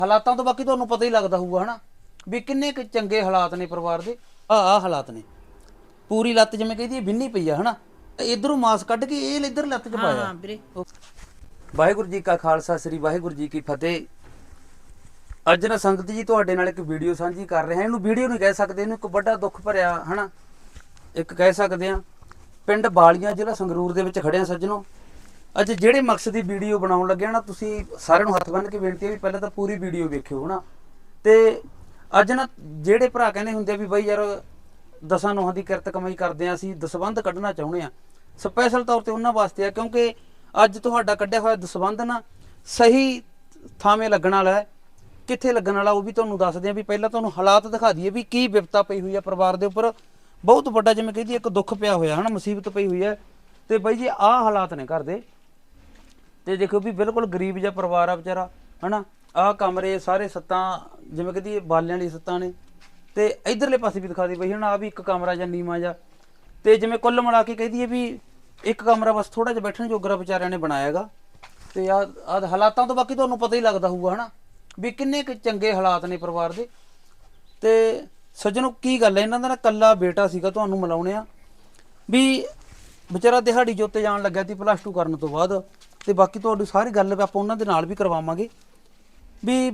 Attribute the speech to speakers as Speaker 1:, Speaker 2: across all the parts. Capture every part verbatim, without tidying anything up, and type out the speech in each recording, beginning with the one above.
Speaker 1: ਹਾਲਾਤਾਂ ਤੋਂ ਬਾਕੀ ਤੁਹਾਨੂੰ ਪਤਾ ਹੀ ਲੱਗਦਾ ਹੋਊਗਾ ਹਨਾ ਵੀ ਕਿੰਨੇ ਕੁ ਚੰਗੇ ਹਾਲਾਤ ਨੇ ਪਰਿਵਾਰ ਦੇ। ਆ ਆ ਹਾਲਾਤ ਨੇ, ਪੂਰੀ ਲੱਤ ਜਿਵੇਂ ਕਹਿੰਦੀ ਬਿੰਨੀ ਪਈ ਆ ਹਨਾ, ਇਧਰੋਂ ਮਾਸ ਕੱਢ ਕੇ ਇਹ ਇੱਧਰ ਲੱਤ 'ਚ ਪਾਇਆ।
Speaker 2: ਹਾਂ ਵੀਰੇ।
Speaker 1: ਵਾਹਿਗੁਰੂ ਜੀ ਕਾ ਖਾਲਸਾ, ਸ੍ਰੀ ਵਾਹਿਗੁਰੂ ਜੀ ਕੀ ਫਤਿਹ। ਅੱਜ ਨਾ ਸੰਗਤ ਜੀ ਤੁਹਾਡੇ ਨਾਲ ਇੱਕ ਵੀਡੀਓ ਸਾਂਝੀ ਕਰ ਰਹੇ ਹਾਂ। ਇਹਨੂੰ ਵੀਡੀਓ ਨਹੀਂ ਕਹਿ ਸਕਦੇ, ਇਹਨੂੰ ਇੱਕ ਵੱਡਾ ਦੁੱਖ ਭਰਿਆ ਹਨਾ ਇੱਕ ਕਹਿ ਸਕਦੇ ਹਾਂ। ਪਿੰਡ ਬਾਲੀਆਂ ਜ਼ਿਲ੍ਹਾ ਸੰਗਰੂਰ ਦੇ ਵਿੱਚ ਖੜਿਆ ਸੱਜਣੋ। ਅੱਜ ਜਿਹੜੇ ਮਕਸਦ ਦੀ ਵੀਡੀਓ ਬਣਾਉਣ ਲੱਗਿਆ ਨਾ, ਤੁਸੀਂ ਸਾਰਿਆਂ ਨੂੰ ਹੱਥ ਬੰਨ੍ਹ ਕੇ ਬੇਨਤੀ ਹੈ ਵੀ ਪਹਿਲਾਂ ਤਾਂ ਪੂਰੀ ਵੀਡੀਓ ਵੇਖਿਓ ਹਨਾ। ਤੇ ਅੱਜ ਨਾ ਜਿਹੜੇ ਭਰਾ ਕਹਿੰਦੇ ਹੁੰਦੇ ਵੀ ਬਾਈ ਯਾਰ ਦਸਾਂ ਨੋਹਾਂ ਦੀ ਕਿਰਤ ਕਮਾਈ ਕਰਦੇ ਆ, ਅਸੀਂ ਦਸਵੰਧ ਕੱਢਣਾ ਚਾਹੁੰਦੇ ਆ, ਸਪੈਸ਼ਲ ਤੌਰ ਤੇ ਉਹਨਾਂ ਵਾਸਤੇ ਆ ਕਿਉਂਕਿ ਅੱਜ ਤੁਹਾਡਾ ਕੱਢਿਆ ਹੋਇਆ ਦਸਵੰਧ ਨਾ ਸਹੀ ਥਾਵੇਂ ਲੱਗਣ ਵਾਲਾ ਹੈ। ਕਿੱਥੇ ਲੱਗਣ ਵਾਲਾ ਉਹ ਵੀ ਤੁਹਾਨੂੰ ਦੱਸਦੇ ਆ। ਵੀ ਪਹਿਲਾਂ ਤੁਹਾਨੂੰ ਹਾਲਾਤ ਦਿਖਾ ਦਈਏ ਵੀ ਕੀ ਵਿਪਤਾ ਪਈ ਹੋਈ ਆ ਪਰਿਵਾਰ ਦੇ ਉੱਪਰ। ਬਹੁਤ ਵੱਡਾ ਜਿਵੇਂ ਕਹਦੀ ਇੱਕ ਦੁੱਖ ਪਿਆ ਹੋਇਆ ਹਨਾ, ਮੁਸੀਬਤ ਪਈ ਹੋਈ ਹੈ। ਤੇ ਬਾਈ ਜੀ ਆਹ ਹਾਲਾਤ ਨੇ ਘਰ ਦੇ। ਤੇ ਦੇਖੋ ਵੀ ਬਿਲਕੁਲ ਗਰੀਬ ਜਿਹਾ ਪਰਿਵਾਰ ਆ ਵਿਚਾਰਾ ਹਨਾ। ਆਹ ਕਮਰੇ ਸਾਰੇ ਸੱਤਾਂ ਜਿਵੇਂ ਕਹਦੀ ਬਾਲਿਆਂ ਵਾਲੀ ਸੱਤਾਂ ਨੇ। ਤੇ ਇਧਰਲੇ ਪਾਸੇ ਵੀ ਦਿਖਾ ਦੇ ਬਈ ਹਨਾ, ਆ ਵੀ ਇੱਕ ਕਮਰਾ ਜਾਂ ਨੀਵਾਂ ਜਾ। ਤੇ ਜਿਵੇਂ ਕੁੱਲ ਮਿਲਾ ਕੇ ਕਹਦੀ ਵੀ ਇੱਕ ਕਮਰਾ ਬਸ ਥੋੜਾ ਜਿਹਾ ਬੈਠਣ ਜੋਗਰਾ ਵਿਚਾਰਿਆਂ ਨੇ ਬਣਾਇਆ ਹੈਗਾ। ਤੇ ਆ ਆਹ ਹਾਲਾਤਾਂ ਤੋਂ ਬਾਕੀ ਤੁਹਾਨੂੰ ਪਤਾ ਹੀ ਲੱਗਦਾ ਹੋਊਗਾ ਹਨਾ ਵੀ ਕਿੰਨੇ ਕੁ ਚੰਗੇ ਹਾਲਾਤ ਨੇ ਪਰਿਵਾਰ ਦੇ। ਤੇ ਸੱਜਣੋ ਕੀ ਗੱਲ ਹੈ, ਇਹਨਾਂ ਦਾ ਨਾ ਕੱਲਾ ਬੇਟਾ ਸੀਗਾ, ਤੁਹਾਨੂੰ ਮਿਲਾਉਣੇ ਆ ਵੀ ਵਿਚਾਰਾ ਦਿਹਾੜੀ ਜੋਤੇ ਜਾਣ ਲੱਗਿਆ ਸੀ ਪਲੱਸ ਟੂ ਕਰਨ ਤੋਂ ਬਾਅਦ। ਤੇ ਬਾਕੀ ਤੁਹਾਡੀ ਸਾਰੀ ਗੱਲ ਆਪਾਂ ਉਹਨਾਂ ਦੇ ਨਾਲ ਵੀ ਕਰਵਾਵਾਂਗੇ ਵੀ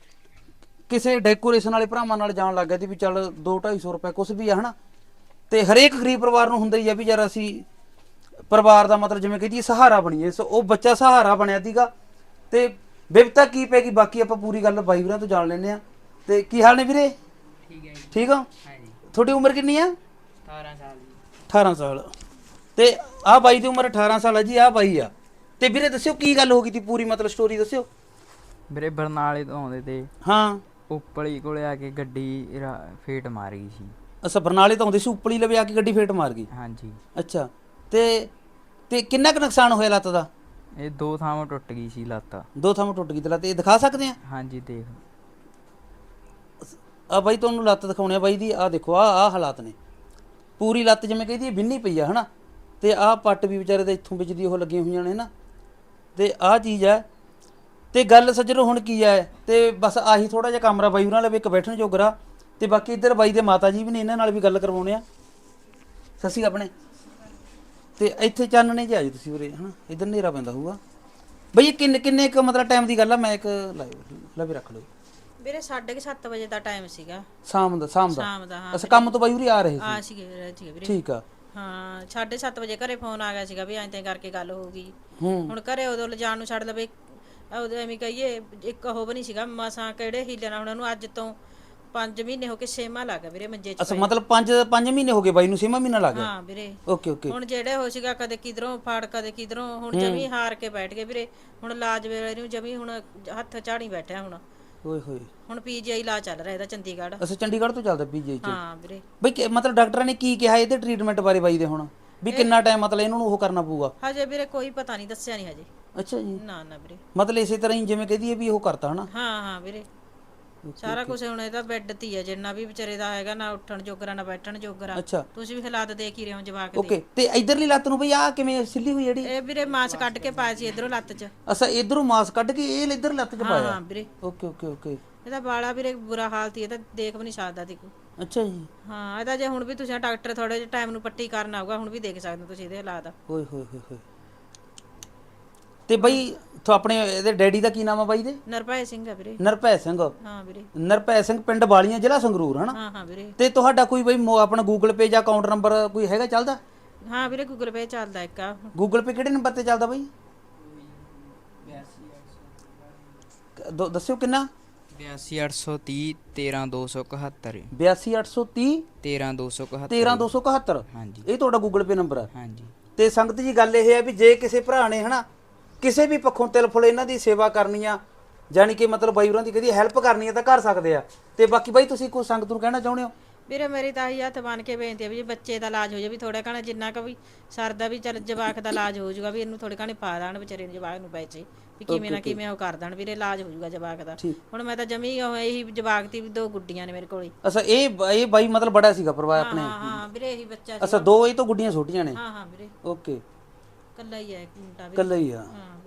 Speaker 1: ਕਿਸੇ ਡੈਕੋਰੇਸ਼ਨ ਵਾਲੇ ਭਰਾਵਾਂ ਨਾਲ ਜਾਣ ਲੱਗ ਗਿਆ ਸੀ ਵੀ ਚੱਲ ਦੋ ਢਾਈ ਸੌ ਰੁਪਏ ਕੁਛ ਵੀ ਆ ਹਨਾ। ਤੇ ਹਰੇਕ ਗਰੀਬ ਪਰਿਵਾਰ ਨੂੰ ਹੁੰਦਾ ਹੀ ਆ ਵੀ ਯਾਰ ਅਸੀਂ ਪਰਿਵਾਰ ਦਾ ਮਤਲਬ ਜਿਵੇਂ ਕਹਦੀ ਸਹਾਰਾ ਬਣੀਏ। ਸੋ ਉਹ ਬੱਚਾ ਸਹਾਰਾ ਬਣਿਆ ਸੀਗਾ। ਤੇ ਵਿਪਤਾ ਕੀ ਪੈ ਗਈ ਬਾਕੀ ਆਪਾਂ ਪੂਰੀ ਗੱਲ ਬਾਈ ਵੀਰਾਂ ਤੋਂ ਜਾਣ ਲੈਂਦੇ ਆ। ਤੇ ਕੀ ਹਾਲ ਨੇ ਵੀਰੇ?
Speaker 2: ਠੀਕ ਹੈ ਜੀ।
Speaker 1: ਠੀਕ ਆ?
Speaker 2: ਹਾਂਜੀ।
Speaker 1: ਤੁਹਾਡੀ ਉਮਰ ਕਿੰਨੀ ਆ?
Speaker 2: ਅਠਾਰਾਂ ਸਾਲ ਜੀ।
Speaker 1: ਅਠਾਰਾਂ ਸਾਲ। ਤੇ ਆਹ ਬਾਈ ਦੀ ਉਮਰ ਅਠਾਰਾਂ ਸਾਲ ਆ ਜੀ, ਆਹ ਬਾਈ ਆ। ਤੇ ਵੀਰੇ ਦੱਸਿਓ ਕੀ ਗੱਲ ਹੋ ਗਈ ਸੀ, ਪੂਰੀ ਮਤਲਬ ਸਟੋਰੀ ਦੱਸਿਓ।
Speaker 2: ਵੀਰੇ ਬਰਨਾਲੇ ਤੋਂ ਆਉਂਦੇ ਤੇ
Speaker 1: ਹਾਂ।
Speaker 2: ਉਪਲੀ ਕੋਲੇ ਆ ਕੇ ਗੱਡੀ ਰਾ- ਫੇਟ ਮਾਰ ਗਈ ਸੀ।
Speaker 1: ਅੱਛਾ, ਬਰਨਾਲੇ ਤੋਂ ਆਉਂਦੇ ਸੀ, ਉਪਲੀ ਲਵੇ ਆ ਕੇ ਗੱਡੀ ਫੇਟ ਮਾਰ ਗਈ।
Speaker 2: ਹਾਂਜੀ।
Speaker 1: ਅੱਛਾ। ਤੇ ਤੇ ਕਿੰਨਾ ਕੁ ਨੁਕਸਾਨ ਹੋਇਆ ਲੱਤ ਦਾ?
Speaker 2: ਇਹ ਦੋ ਥਾਵਾਂ ਟੁੱਟ ਗਈ ਸੀ ਲੱਤ।
Speaker 1: ਦੋ ਥਾਵਾਂ ਟੁੱਟ ਗਈ ਤੇ ਲੱਤ। ਇਹ ਦਿਖਾ ਸਕਦੇ ਆ?
Speaker 2: ਹਾਂਜੀ ਦੇਖ।
Speaker 1: ਆ ਬਾਈ ਤੁਹਾਨੂੰ ਲੱਤ ਦਿਖਾਉਣੇ ਆ ਬਾਈ ਦੀ। ਆਹ ਦੇਖੋ ਆਹ ਆਹ ਹਾਲਾਤ ਨੇ, ਪੂਰੀ ਲੱਤ ਜਿਵੇਂ ਕਹਿੰਦੀ ਬਿੰਨੀ ਪਈ ਆ ਹਨਾ। ਤੇ ਆਹ ਪੱਟ ਵੀ ਵਿਚਾਰੇ ਦੇ ਇੱਥੋਂ ਵਿੱਚ ਦੀ ਉਹ ਲੱਗੀਆਂ ਹੋਈਆਂ ਨੇ ਨਾ। ਤੇ ਆਹ ਚੀਜ਼ ਹੈ। ਤੇ ਗੱਲ ਸੱਜਣੋ ਹੁਣ ਕੀ ਹੈ, ਤੇ ਬਸ ਆਹੀ ਥੋੜਾ ਜਿਹਾ ਕਮਰਾ ਬਾਈ ਉਹਨਾਂ ਲਵੇ ਇੱਕ ਬੈਠਣ ਜੋਗਰਾ। ਤੇ ਬਾਕੀ ਇੱਧਰ ਬਾਈ ਦੇ ਮਾਤਾ ਜੀ ਵੀ ਨੇ, ਇਹਨਾਂ ਨਾਲ ਵੀ ਗੱਲ ਕਰਵਾਉਣੇ ਆ। ਸਤਿ ਸ਼੍ਰੀ ਅਕਾਲ ਆਪਣੇ। ਤੇ ਇੱਥੇ ਚਾਨਣੇ ਜੇ ਆ ਜੀ ਤੁਸੀਂ ਉਰੇ ਹਨਾ, ਇੱਧਰ ਹਨੇਰਾ ਪੈਂਦਾ ਹੋਊਗਾ ਬਈ। ਕਿੰਨੇ ਕਿੰਨੇ ਕੁ ਮਤਲਬ ਟਾਈਮ ਦੀ ਗੱਲ ਆ? ਮੈਂ ਇੱਕ ਲਾਈਵ ਲਵੇ ਰੱਖ ਲਓ
Speaker 3: ਵੀਰੇ ਸਾਢੇ ਕੁ ਸੱਤ ਵਜੇ ਦਾ ਟਾਈਮ ਸੀਗਾ
Speaker 1: ਸ਼ਾਮ ਦਾ। ਸ਼ਾਮ ਦਾ?
Speaker 3: ਸ਼ਾਮ ਦਾ ਹਾਂ।
Speaker 1: ਅੱਛਾ, ਕੰਮ ਤੋਂ ਬਾਈ ਉਰੇ ਆ ਰਹੇ
Speaker 3: ਆ
Speaker 1: ਸੀ?
Speaker 3: ਸੀਗੇ ਸੀਗੇ ਵੀਰੇ।
Speaker 1: ਠੀਕ ਆ।
Speaker 3: ਹਾਂ ਸਾਢੇ ਸੱਤ ਵਜੇ ਘਰੇ ਫੋਨ ਆ ਗਿਆ ਸੀਗਾ ਵੀ ਐਂ ਤੈਂ ਕਰਕੇ ਗੱਲ ਹੋ ਗਈ।
Speaker 1: ਹੂੰ।
Speaker 3: ਹੁਣ ਘਰੇ ਉਦੋਂ ਲਿਜਾਣ ਨੂੰ ਛੱਡ ਲਵੇ, ਉਦੋਂ ਐਵੇਂ ਕਹੀਏ ਇੱਕ ਉਹ ਵੀ ਨਹੀਂ ਸੀਗਾ ਮਸਾਂ ਕਿਹੜੇ ਹੀਲੇ ਨਾਲ ਉਹਨਾਂ ਨੂੰ ਅੱਜ ਤੋਂ ਪੰਜ ਮਹੀਨੇ ਹੋ ਕੇ ਛੇਵਾਂ ਲੱਗ ਗਿਆ ਵੀਰੇ ਮੰਜੇ 'ਚ
Speaker 1: ਅੱਛਾ,
Speaker 3: ਪਏ।
Speaker 1: ਮਤਲਬ ਪੰਜ ਪੰਜ ਮਹੀਨੇ ਹੋ ਗਏ ਬਾਈ ਨੂੰ, ਛੇਵਾਂ ਮਹੀਨਾ ਲੱਗ ਗਿਆ।
Speaker 3: ਹਾਂ ਵੀਰੇ।
Speaker 1: Okay okay.
Speaker 3: ਹੁਣ ਜਿਹੜੇ ਹੋ ਸੀਗਾ ਕਦੇ ਕਿਧਰੋਂ ਫਾੜ ਕਦੇ ਕਿਧਰੋਂ, ਹੁਣ ਜਮੀ ਹਾਰ ਕੇ ਬੈਠ ਗਏ ਵੀਰੇ। ਹੁਣ ਇਲਾਜ ਵੇਲੇ ਨੂੰ ਜਮੀ ਹੁਣ ਹੱਥ ਝਾੜੀ ਬੈਠਿਆ। ਹੁਣ
Speaker 1: ਓਏ ਹੋਏ।
Speaker 3: ਹੁਣ ਪੀਜੀਆਈ ਇਲਾਜ ਚੱਲ ਰਿਹਾ ਇਹਦਾ ਚੰਡੀਗੜ੍ਹ।
Speaker 1: ਅੱਛਾ, ਚੰਡੀਗੜ੍ਹ ਤੋਂ ਚੱਲਦਾ ਪੀਜੀਆਈ ਚ?
Speaker 3: ਹਾਂ ਵੀਰੇ।
Speaker 1: ਬਈ ਕਿ- ਮਤਲਬ ਡਾਕਟਰਾਂ ਨੇ ਕੀ ਕਿਹਾ ਇਹਦੇ ਟ੍ਰੀਟਮੈਂਟ ਬਾਰੇ ਬਾਈ ਦੇ ਹੁਣ ਵੀ ਕਿੰਨਾ ਟਾਈਮ ਮਤਲਬ ਇਹਨਾਂ ਨੂੰ ਉਹ ਕਰਨਾ ਪਊਗਾ?
Speaker 3: ਹਜੇ ਵੀਰੇ ਕੋਈ ਪਤਾ ਨਹੀਂ, ਦੱਸਿਆ ਨਹੀਂ ਹਜੇ।
Speaker 1: ਅੱਛਾ ਜੀ।
Speaker 3: ਨਾ ਨਾ ਵੀਰੇ।
Speaker 1: ਮਤਲਬ ਇਸੇ ਤਰ੍ਹਾਂ ਹੀ ਜਿਵੇਂ ਕਹਦੀ ਵੀ ਉਹ ਕਰਤਾ ਹਨਾ।
Speaker 3: ਹਾਂ ਹਾਂ ਵੀਰੇ। ਸਾਰਾ ਕੁਝ ਹੁਣ ਇਹਦਾ ਬੈੱਡ ਤੇ ਹੀ ਆ, ਜਿੰਨਾ ਵੀ ਵਿਚਾਰੇ ਦਾ ਹੈਗਾ, ਨਾ ਉੱਠਣ ਜੋਗਰਾ ਨਾ ਬੈਠਣ ਜੋਗਰਾ।
Speaker 1: ਅੱਛਾ।
Speaker 3: ਤੁਸੀਂ ਵੀ ਹਾਲਾਤ ਦੇਖ ਹੀ ਰਹੇ ਹੋ ਜਵਾਕ ਦੇ।
Speaker 1: ਓਕੇ। ਤੇ ਇਧਰਲੀ ਲੱਤ ਨੂੰ ਬਈ ਆ ਕਿਵੇਂ ਸਿੱਲੀ ਹੋਈ ਜਿਹੜੀ?
Speaker 3: ਇਹ ਵੀਰੇ ਮਾਸ ਕੱਢ ਕੇ ਪਾਇਆ ਸੀ ਇਧਰੋਂ ਲੱਤ 'ਚ।
Speaker 1: ਅੱਛਾ, ਇਧਰੋਂ ਮਾਸ ਕੱਢ ਕੇ ਇਹ ਇਧਰ ਲੱਤ ਚ
Speaker 3: ਹਾਂ
Speaker 1: ਪਾਇਆ?
Speaker 3: ਹਾਂ ਵੀਰੇ।
Speaker 1: Okay okay okay.
Speaker 3: ਇਹਦਾ ਬਾਲਾ ਵੀਰੇ ਬੁਰਾ ਹਾਲ ਸੀ, ਇਹਦਾ ਦੇਖ ਵੀ ਨਹੀਂ ਸਕਦਾ ਸੀ ਕੋਈ।
Speaker 1: ਅੱਛਾ ਜੀ।
Speaker 3: ਹਾਂ ਇਹਦਾ ਜੇ ਹੁਣ ਵੀ ਤੁਸੀਂ ਡਾਕਟਰ ਥੋੜੇ ਜਿਹੇ ਟਾਈਮ ਨੂੰ ਪੱਟੀ ਕਰਨ ਆਊਗਾ, ਹੁਣ ਵੀ ਦੇਖ ਸਕਦੇ ਹੋ ਤੁਸੀਂ ਇਹਦੇ ਹਾਲਾਤ।
Speaker 1: ਹੋਏ ਹੋਏ ਹੋਏ ਹੋਏ। ਤੇ ਬਈ ਤੋ ਆਪਣੇ ਇਹਦੇ ਡੈਡੀ ਦਾ ਕੀ ਨਾਮ ਆ ਬਾਈ ਦੇ?
Speaker 3: ਨਰਭੈ ਸਿੰਘ ਆ ਵੀਰੇ।
Speaker 1: ਨਰਭੈ ਸਿੰਘ?
Speaker 3: ਹਾਂ ਵੀਰੇ।
Speaker 1: ਨਰਭੈ ਸਿੰਘ, ਪਿੰਡ ਬਾਲੀਆਂ, ਜ਼ਿਲ੍ਹਾ ਸੰਗਰੂਰ ਹਨਾ।
Speaker 3: ਹਾਂ ਹਾਂ ਵੀਰੇ।
Speaker 1: ਤੇ ਤੁਹਾਡਾ ਕੋਈ ਬਈ ਮੋ- ਆਪਣਾ ਗੂਗਲ ਪੇ ਜਾਂ ਅਕਾਊਂਟ ਨੰਬਰ ਕੋਈ ਹੈਗਾ ਚੱਲਦਾ?
Speaker 3: ਹਾਂ ਵੀਰੇ ਗੂਗਲ ਪੇ ਚੱਲਦਾ ਇੱਕ ਆ।
Speaker 1: ਗੂਗਲ ਪੇ ਕਿਹੜੇ ਨੰਬਰ ਤੇ ਚੱਲਦਾ ਬਈ? ਦੋ- ਦੱਸਿਓ ਕਿੰਨਾ?
Speaker 2: ਬਿਆਸੀ ਅੱਠ ਸੌ ਤੀਹ ਤੇਰਾਂ ਦੋ ਸੌ ਇਕਹੱਤਰ।
Speaker 1: ਬਿਆਸੀ ਅੱਠ ਸੌ ਤੀਹ
Speaker 2: ਤੇਰਾਂ ਦੋ ਸੌ ਇਕਹੱਤਰ।
Speaker 1: ਤੇਰਾਂ ਦੋ ਸੌ ਇਕਹੱਤਰ।
Speaker 2: ਹਾਂਜੀ।
Speaker 1: ਇਹ ਤੁਹਾਡਾ ਗੂਗਲ ਪੇ ਨੰਬਰ ਹੈ?
Speaker 2: ਹਾਂਜੀ।
Speaker 1: ਤੇ ਸੰਗਤ ਜੀ ਗੱਲ ਇਹ ਹੈ ਵੀ ਜੇ ਕਿਸੇ ਭਰਾ ਨੇ ਹਨਾ ਕਿਸੇ ਵੀ ਪੱਖੋਂ ਤਿਲ ਫੁਲ ਇਹਨਾਂ ਦੀ ਸੇਵਾ ਕਰਨੀ ਆ, ਜਾਣੀ ਕਿ ਮਤਲਬ ਬਾਈ ਹੋਰਾਂ ਦੀ ਕਦੀ ਹੈਲਪ ਕਰਨੀ ਆ ਤਾਂ ਕਰ ਸਕਦੇ ਆ। ਤੇ ਬਾਕੀ ਬਾਈ ਤੁਸੀਂ ਕੋਈ ਸੰਗਤ ਨੂੰ ਕਹਿਣਾ ਚਾਹੁੰਦੇ ਹੋ?
Speaker 3: ਵੀਰੇ ਮੇਰੀ ਤਾਂ ਇਹੀ ਹੱਥ ਬਣ ਕੇ ਬੇਨਤੀ ਹੈ ਵੀ ਜੇ ਬੱਚੇ ਦਾ ਇਲਾਜ ਹੋ ਜਾਵੇ, ਵੀ ਥੋੜਾ ਘਣਾ ਜਿੰਨਾ ਕੁ ਵੀ ਸਰਦਾ ਵੀ ਚੱਲ ਜਵਾਕ ਦਾ ਇਲਾਜ ਹੋ ਜਾਊਗਾ, ਵੀ ਇਹਨੂੰ ਥੋੜੇ ਘਣੇ ਪਾ ਦੇਣ ਵਿਚਾਰੇ ਨੂੰ, ਜਵਾਕ ਨੂੰ ਪੈਸੇ ਵੀ ਕਿਵੇਂ ਨਾ ਕਿਵੇਂ ਉਹ ਕਰ ਦੇਣ ਵੀਰੇ, ਇਲਾਜ ਹੋ ਜਾਊਗਾ ਜਵਾਕ ਦਾ। ਹੁਣ ਮੈਂ ਤਾਂ ਜਮੀ ਉਹ ਇਹੀ ਜਵਾਕ ਦੀ ਵੀ ਦੋ ਗੁੱਡੀਆਂ ਨੇ ਮੇਰੇ ਕੋਲੇ।
Speaker 1: ਅੱਛਾ, ਇਹ ਇਹ ਬਾਈ ਮਤਲਬ ਬੜਾ ਸੀਗਾ ਪਰਿਵਾਰ ਆਪਣੇ?
Speaker 3: ਹਾਂ ਹਾਂ ਵੀਰੇ ਇਹੀ ਬੱਚਾ ਸੀ।
Speaker 1: ਅੱਛਾ, ਦੋ ਇਹ ਤੋਂ ਗੁੱਡੀਆਂ ਛੋਟੀਆਂ ਨੇ?
Speaker 3: ਹਾਂ ਹਾਂ ਵੀਰੇ।
Speaker 1: ਓਕੇ।
Speaker 3: ਕੱਲਾ ਹੀ ਹੈ ਇੱਕ ਮੁੰਡਾ ਵੀ।
Speaker 1: ਕੱਲਾ ਹੀ ਆ?
Speaker 3: ਹਾਂ ਵੀਰੇ।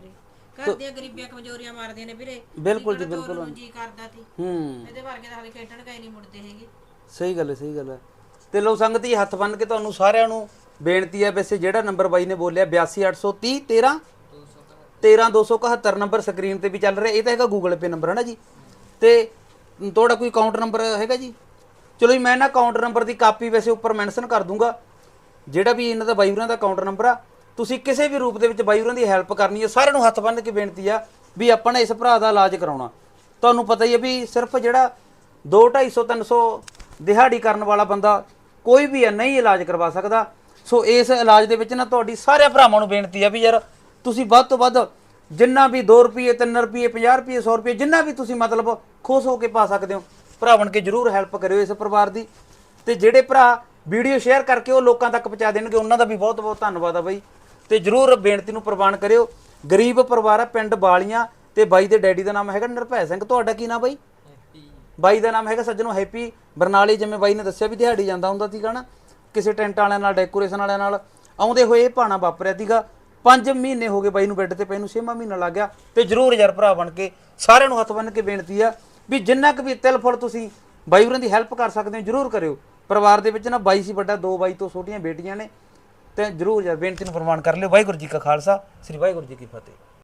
Speaker 3: ਘਰ ਦੀਆਂ ਗਰੀਬੀਆਂ ਕਮਜ਼ੋਰੀਆਂ ਮਾਰਦੀਆਂ ਨੇ ਵੀਰੇ
Speaker 1: ਬਿਲਕੁਲ ਜੀ,
Speaker 3: ਜੀ
Speaker 1: ਬਿਲਕੁਲ।
Speaker 3: ਜੀ ਕਰਦਾ ਸੀ
Speaker 1: ਹੂੰ
Speaker 3: ਇਹਦੇ ਵਰਗੇ ਤਾਂ ਹਾਲੇ ਖੇਡਣ ਗਏ ਨਹੀਂ ਮੁੜਦੇ ਹੈਗੇ।
Speaker 1: ਸਹੀ ਗੱਲ ਹੈ, ਸਹੀ ਗੱਲ ਹੈ। ਤੇ ਲੋ ਸੰਗਤ ਜੀ, ਹੱਥ ਬੰਨ ਕੇ ਤੁਹਾਨੂੰ ਸਾਰਿਆਂ ਨੂੰ ਬੇਨਤੀ ਹੈ, ਵੈਸੇ ਜਿਹੜਾ ਨੰਬਰ ਬਾਈ ਨੇ ਬੋਲਿਆ ਬਿਆਸੀ ਅੱਠ ਸੌ ਤੀਹ ਤੇਰਾਂ ਤੇਰਾਂ ਦੋ ਸੌ ਇਕਹੱਤਰ ਨੰਬਰ ਸਕਰੀਨ ਤੇ ਵੀ ਚੱਲ ਰਿਹਾ, ਇਹ ਤਾਂ ਹੈਗਾ ਗੂਗਲ ਪੇ ਨੰਬਰ ਹੈ ਨਾ ਜੀ। ਤੇ ਤੁਹਾਡਾ ਕੋਈ ਅਕਾਊਂਟ ਨੰਬਰ ਹੈਗਾ ਜੀ? ਚਲੋ ਜੀ, ਮੈਂ ਨਾ ਅਕਾਊਂਟ ਨੰਬਰ ਦੀ ਕਾਪੀ ਵੈਸੇ ਉੱਪਰ ਮੈਂਸ਼ਨ ਕਰ ਦੂੰਗਾ, ਜਿਹੜਾ ਵੀ ਇਹਨਾਂ ਦਾ ਬਾਈ ਹੋਰਾਂ ਦਾ ਅਕਾਊਂਟ ਨੰਬਰ ਆ। ਤੁਸੀਂ ਕਿਸੇ ਵੀ ਰੂਪ ਦੇ ਵਿੱਚ ਬਾਈ ਹੋਰਾਂ ਦੀ ਹੈਲਪ ਕਰਨੀ ਹੈ, ਸਾਰਿਆਂ ਨੂੰ ਹੱਥ ਬੰਨ੍ਹ ਕੇ ਬੇਨਤੀ ਆ ਵੀ ਆਪਾਂ ਨੇ ਇਸ ਭਰਾ ਦਾ ਇਲਾਜ ਕਰਾਉਣਾ। ਤੁਹਾਨੂੰ ਪਤਾ ਹੀ ਹੈ ਵੀ ਸਿਰਫ ਜਿਹੜਾ ਦੋ ਢਾਈ ਸੌ ਤਿੰਨ ਸੌ ਦਿਹਾੜੀ ਕਰਨ ਵਾਲਾ ਬੰਦਾ ਕੋਈ ਵੀ ਹੈ ਨਹੀਂ ਇਲਾਜ ਕਰਵਾ ਸਕਦਾ। ਸੋ ਇਸ ਇਲਾਜ ਦੇ ਵਿੱਚ ਨਾ ਤੁਹਾਡੀ ਸਾਰਿਆਂ ਭਰਾਵਾਂ ਨੂੰ ਬੇਨਤੀ ਆ ਵੀ ਯਾਰ ਤੁਸੀਂ ਵੱਧ ਤੋਂ ਵੱਧ ਜਿੰਨਾ ਵੀ ਦੋ ਰੁਪਏ ਤਿੰਨ ਰੁਪਏ ਪੰਜਾਹ ਰੁਪਏ ਸੌ ਰੁਪਏ ਜਿੰਨਾ ਵੀ ਤੁਸੀਂ ਮਤਲਬ ਖੁਸ਼ ਹੋ ਕੇ ਪਾ ਸਕਦੇ ਹੋ, ਭਰਾ ਬਣ ਕੇ ਜ਼ਰੂਰ ਹੈਲਪ ਕਰਿਓ ਇਸ ਪਰਿਵਾਰ ਦੀ। ਤੇ ਜਿਹੜੇ ਭਰਾ ਵੀਡੀਓ ਸ਼ੇਅਰ ਕਰਕੇ ਉਹ ਲੋਕਾਂ ਤੱਕ ਪਹੁੰਚਾ ਦੇਣਗੇ, ਉਹਨਾਂ ਦਾ ਵੀ ਬਹੁਤ ਬਹੁਤ ਧੰਨਵਾਦ ਆ ਬਾਈ। ਤੇ ਜ਼ਰੂਰ ਬੇਨਤੀ ਨੂੰ ਪ੍ਰਵਾਨ ਕਰਿਓ। ਗਰੀਬ ਪਰਿਵਾਰ ਆ, ਪਿੰਡ ਬਾਲੀਆਂ, ਤੇ ਬਾਈ ਦੇ ਡੈਡੀ ਦਾ ਨਾਮ ਹੈਗਾ ਨਿਰਭੈ ਸਿੰਘ। ਤੁਹਾਡਾ ਕੀ ਨਾਮ ਬਾਈ? ਬਾਈ ਦਾ ਨਾਮ ਹੈਗਾ ਸੱਜਣੋ ਹੈਪੀ। ਬਰਨਾਲੇ, ਜਿਵੇਂ ਬਾਈ ਨੇ ਦੱਸਿਆ ਵੀ ਦਿਹਾੜੀ ਜਾਂਦਾ ਹੁੰਦਾ ਸੀਗਾ ਨਾ, ਕਿਸੇ ਟੈਂਟ ਵਾਲਿਆਂ ਨਾਲ, ਡੈਕੋਰੇਸ਼ਨ ਵਾਲਿਆਂ ਨਾਲ ਆਉਂਦੇ ਹੋਏ ਇਹ ਭਾਣਾ ਵਾਪਰਿਆ ਸੀਗਾ। ਪੰਜ ਮਹੀਨੇ ਹੋ ਗਏ ਬਾਈ ਨੂੰ ਬੈੱਡ ਤੇ ਪਏ ਨੂੰ, ਛੇਵਾਂ ਮਹੀਨਾ ਲੱਗ ਗਿਆ। ਤੇ ਜ਼ਰੂਰ ਯਾਰ ਭਰਾ ਬਣ ਕੇ ਸਾਰਿਆਂ ਨੂੰ ਹੱਥ ਬੰਨ੍ਹ ਕੇ ਬੇਨਤੀ ਆ ਵੀ ਜਿੰਨਾ ਕੁ ਵੀ ਤਿਲ ਫੁੱਲ ਤੁਸੀਂ ਬਾਈ ਹੋਰਾਂ ਦੀ ਹੈਲਪ ਕਰ ਸਕਦੇ ਹੋ ਜ਼ਰੂਰ ਕਰਿਓ। ਪਰਿਵਾਰ ਦੇ ਵਿੱਚ ਨਾ ਬਾਈ ਸੀ ਵੱਡਾ, ਦੋ ਬਾਈ ਤੋਂ ਛੋਟੀਆਂ ਬੇਟੀਆਂ ਨੇ, ਤੇ ਜ਼ਰੂਰ ਯਾਰ ਬੇਨਤੀ ਨੂੰ ਪ੍ਰਵਾਨ ਕਰ ਲਿਓ। ਵਾਹਿਗੁਰੂ ਜੀ ਕਾ ਖਾਲਸਾ, ਸ੍ਰੀ ਵਾਹਿਗੁਰੂ ਜੀ ਕੀ ਫਤਿਹ।